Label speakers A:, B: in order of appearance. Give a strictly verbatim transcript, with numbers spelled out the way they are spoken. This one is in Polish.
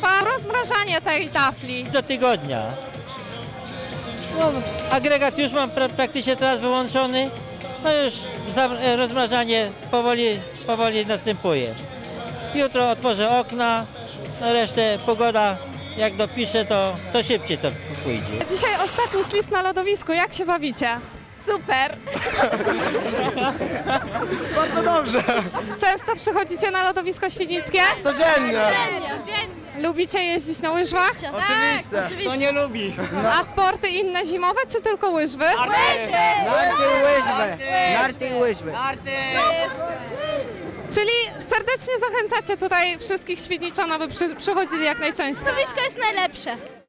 A: trwa rozmrażanie tej tafli?
B: Do tygodnia. No, agregat już mam pra praktycznie teraz wyłączony. No już rozmrażanie powoli, powoli następuje. Jutro otworzę okna, no resztę pogoda jak dopiszę, to, to szybciej to pójdzie.
A: Dzisiaj ostatni ślizg na lodowisku, jak się bawicie? Super!
C: Bardzo dobrze.
A: Często przychodzicie na lodowisko świdnickie?
C: Codziennie.
A: Lubicie jeździć na łyżwach?
C: Oczywiście.
D: Kto nie lubi?
A: A sporty inne zimowe, czy tylko łyżwy?
E: Narty i łyżwy. Narty i łyżwy.
A: Czyli serdecznie zachęcacie tutaj wszystkich Świdniczan, aby przy, przychodzili jak najczęściej.
F: Lodowisko jest najlepsze.